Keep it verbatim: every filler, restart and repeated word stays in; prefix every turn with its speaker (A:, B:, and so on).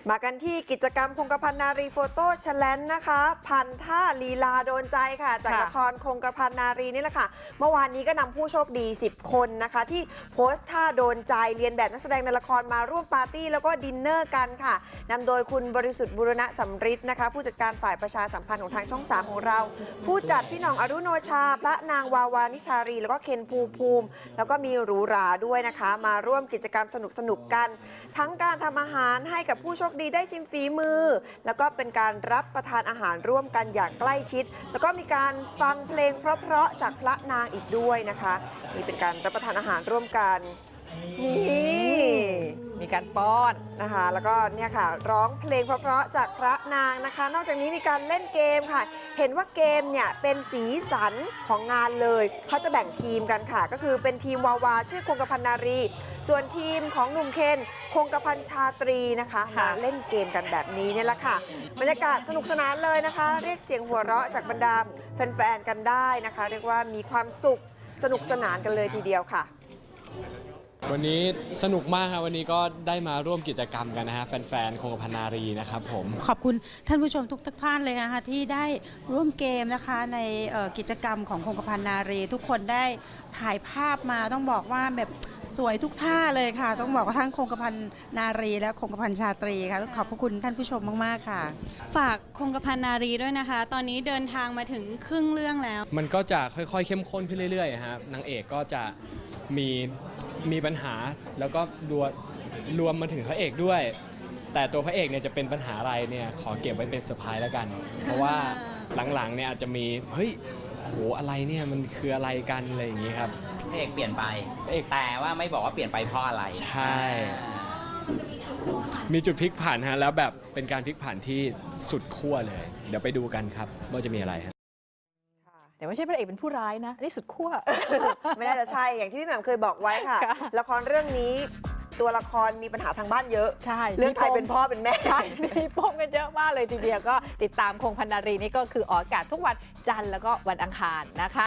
A: มากันที่กิจกรรมคงกระพันนารีโฟโต้แชเลนจ์นะคะพันท่าลีลาโดนใจค่ะจากละครคงกระพันนารีนี่แหละค่ะเมื่อวานนี้ก็นำผู้โชคดีสิบคนนะคะที่โพสต์ท่าโดนใจเรียนแบบนักแสดงในละครมาร่วมปาร์ตี้แล้วก็ดินเนอร์กันค่ะนำโดยคุณบริสุทธิ์บุรณะสำริดนะคะผู้จัดการฝ่ายประชาสัมพันธ์ของทางช่องสามของเราผู้จัดพี่หน่องอรุโนชาพระนางวาวานิชารีแล้วก็เคนภูมิภูมิแล้วก็มีหรูหราด้วยนะคะมาร่วมกิจกรรมสนุกๆกันทั้งการทำอาหารให้กับผู้โชคดีได้ชิมฝีมือแล้วก็เป็นการรับประทานอาหารร่วมกันอย่างใกล้ชิดแล้วก็มีการฟังเพลงเพราะๆจากพระนางอีกด้วยนะคะนี่เป็นการรับประทานอาหารร่วมกันนี่
B: มีการป้อน
A: นะคะแล้วก็เนี่ยค่ะร้องเพลงเพราะๆจากพระนางนะคะนอกจากนี้มีการเล่นเกมค่ะเห็นว่าเกมเนี่ยเป็นสีสันของงานเลยเขาจะแบ่งทีมกันค่ะก็คือเป็นทีมวาวาชื่อคงกระพันนารีส่วนทีมของหนุ่มเคนคงกระพันชาตรีนะคะมาเล่นเกมกันแบบนี้เนี่ยแหละค่ะบรรยากาศสนุกสนานเลยนะคะเรียกเสียงหัวเราะจากบรรดาแฟนๆกันได้นะคะเรียกว่ามีความสุขสนุกสนานกันเลยทีเดียวค่ะ
C: วันนี้สนุกมากครับวันนี้ก็ได้มาร่วมกิจกรรมกันนะฮะแฟนๆคงกระพันนารีนะครับผม
D: ขอบคุณท่านผู้ชมทุกท่านเลยนะคะที่ได้ร่วมเกมนะคะในกิจกรรมของคงกระพันนารีทุกคนได้ถ่ายภาพมาต้องบอกว่าแบบสวยทุกท่าเลยค่ะต้องบอกว่าทั้งคงกระพันนารีและคงกระพันชาตรีค่ะขอบพระคุณท่านผู้ชมมากๆค่ะ
E: ฝากคงกระพันนารีด้วยนะคะตอนนี้เดินทางมาถึงครึ่งเรื่องแล้ว
C: มันก็จะค่อยๆเข้มข้นขึ้นเรื่อยๆครับนางเอกก็จะมีมีปัญหาแล้วก็รวมรวมมาถึงพระเอกด้วยแต่ตัวพระเอกเนี่ยจะเป็นปัญหาอะไรเนี่ยขอเก็บไว้เป็นเซอร์ไพรส์แล้วกันเพราะว่าหลังๆเนี่ยอาจจะมีเฮ้ยโหอะไรเนี่ยมันคืออะไรกันอะไรอย่างนี้ครับ
F: พระเอกเปลี่ยนไปพระเอกแต่ว่าไม่บอกว่าเปลี่ยนไปเพราะอะไร
C: ใช่มีจุดพลิกผันฮะแล้วแบบเป็นการพลิกผันที่สุดขั้วเลยเดี๋ยวไปดูกันครับว่าจะมีอะไรฮะ
B: เดี๋ยวไม่ใช่พระเอกเป็นผู้ร้ายนะนี่สุดขั้ว
A: ไม่น่าจะใช่อย่างที่พี่แหม่มเคยบอกไว้ค่ะละครเรื่องนี้ตัวละครมีปัญหาทางบ้านเยอะ
B: ใช่
A: เรื่องใครเป็นพ่อเป็นแม่
B: ใช่มีปมกันเยอะมากเลยทีเดียวก็ติดตามคงพันนารีนี่ก็คือออกอากาศทุกวันจันทร์แล้วก็วันอังคารนะคะ